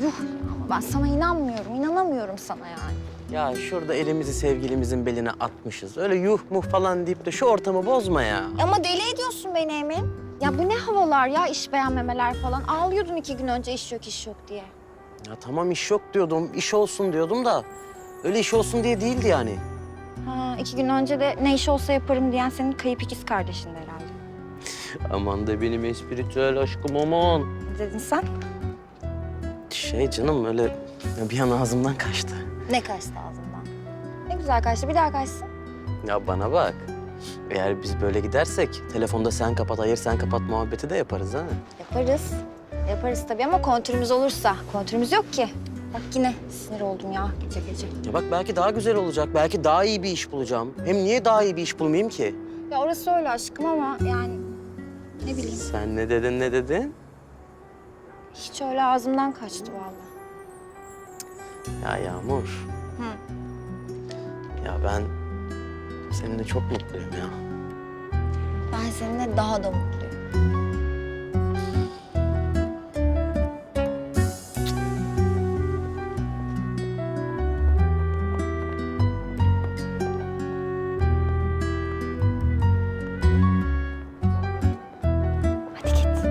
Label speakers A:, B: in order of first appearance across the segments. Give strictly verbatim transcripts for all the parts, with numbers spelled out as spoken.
A: yuh. Ama ben sana inanmıyorum, inanamıyorum sana yani.
B: Ya şurada elimizi sevgilimizin beline atmışız. Öyle yuh muh falan deyip de şu ortamı bozma ya.
A: Ama deli ediyorsun beni Emin. Ya bu ne havalar ya, iş beğenmemeler falan. Ağlıyordun iki gün önce iş yok, iş yok diye.
B: Ya tamam iş yok diyordum, iş olsun diyordum da... ...öyle iş olsun diye değildi yani.
A: Ha, iki gün önce de ne iş olsa yaparım diyen senin kayıp ikiz kardeşin de herhalde.
B: Aman da benim espritüel aşkım aman.
A: Ne dedin sen?
B: Şey canım öyle bir an ağzımdan kaçtı.
A: Ne kaçtı ağzından? Ne güzel kaçtı, bir daha kaçsın.
B: Ya bana bak. Eğer biz böyle gidersek telefonda sen kapat, hayır sen kapat muhabbeti de yaparız ha.
A: Yaparız. Yaparız tabii ama kontürümüz olursa. Kontürümüz yok ki. Bak yine sinir oldum ya gece gece.
B: Ya bak belki daha güzel olacak, belki daha iyi bir iş bulacağım. Hem niye daha iyi bir iş bulmayayım ki?
A: Ya orası öyle aşkım ama yani ne bileyim.
B: Sen ne dedin, ne dedin?
A: Hiç öyle ağzımdan kaçtı vallahi.
B: Ya Yağmur.
A: Hı.
B: Ya ben seninle çok mutluyum ya.
A: Ben seninle daha da mutluyum. Hadi git.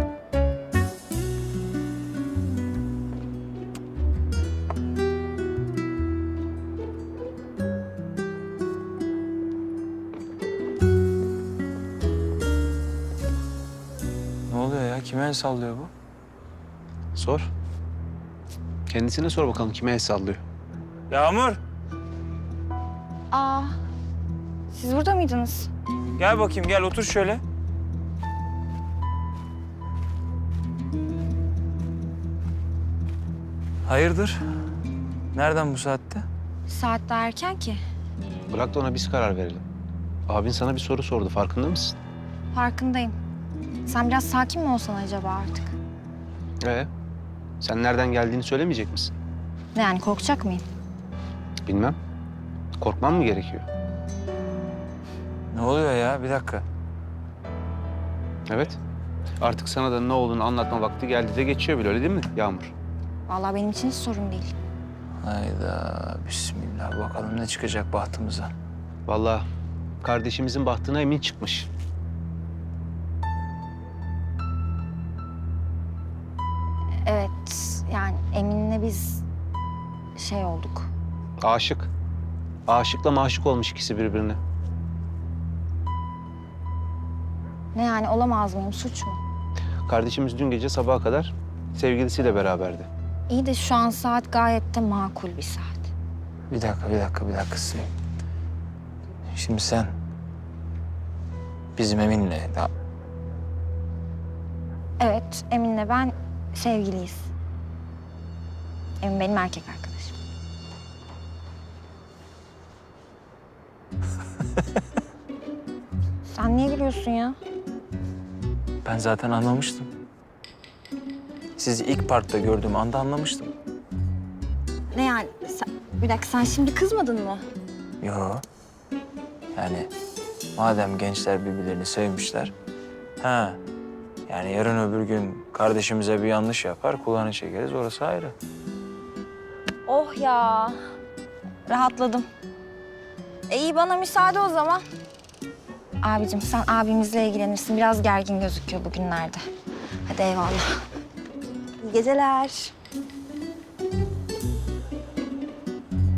C: Ne oluyor ya? Kime el sallıyor bu?
D: Sor. Kendisine sor bakalım kime el sallıyor.
C: Yağmur,
A: Aa, siz burada mıydınız?
C: gel bakayım gel otur şöyle. Hayırdır? Nereden bu saatte?
A: Saat daha erken ki.
D: Bırak da ona biz karar verelim. Abin sana bir soru sordu, farkında mısın?
A: Farkındayım. Sen biraz sakin mi olsan acaba artık?
D: Ee, sen nereden geldiğini söylemeyecek misin?
A: Ne yani, korkacak mıyım?
D: Bilmem. Korkman mı gerekiyor?
C: Ne oluyor ya? Bir dakika.
D: Evet. Artık sana da ne olduğunu anlatma vakti geldi de geçiyor bile, öyle değil mi Yağmur?
A: Vallahi benim için hiç sorun değil.
C: Hayda, bismillah. Bakalım ne çıkacak bahtımıza.
D: Vallahi kardeşimizin bahtına emin çıkmış.
A: Evet, yani Emin'le biz şey olduk.
D: Aşık. Aşıkla maşık olmuş ikisi birbirine.
A: Ne yani, olamaz mıyım, suç mu?
D: Kardeşimiz dün gece sabaha kadar sevgilisiyle beraberdi.
A: İyi de şu an saat gayet de makul bir saat.
C: Bir dakika, bir dakika, bir dakika. Şimdi sen bizim Emin'le daha...
A: Evet, Emin'le ben sevgiliyiz. Emin benim erkek arkadaşım. Sen niye gülüyorsun ya?
C: Ben zaten anlamıştım. Sizi ilk parkta gördüğüm anda anlamıştım.
A: Ne yani? Sen, bir dakika, sen şimdi kızmadın mı?
C: Yo. Yani madem gençler birbirlerini sevmişler... Ha. Yani yarın öbür gün kardeşimize bir yanlış yapar, kulağını çekeriz. Orası ayrı.
A: Oh ya. Rahatladım. E iyi, bana müsaade o zaman. Abicim sen abimizle ilgilenirsin. Biraz gergin gözüküyor bugünlerde. Hadi eyvallah. İyi geceler.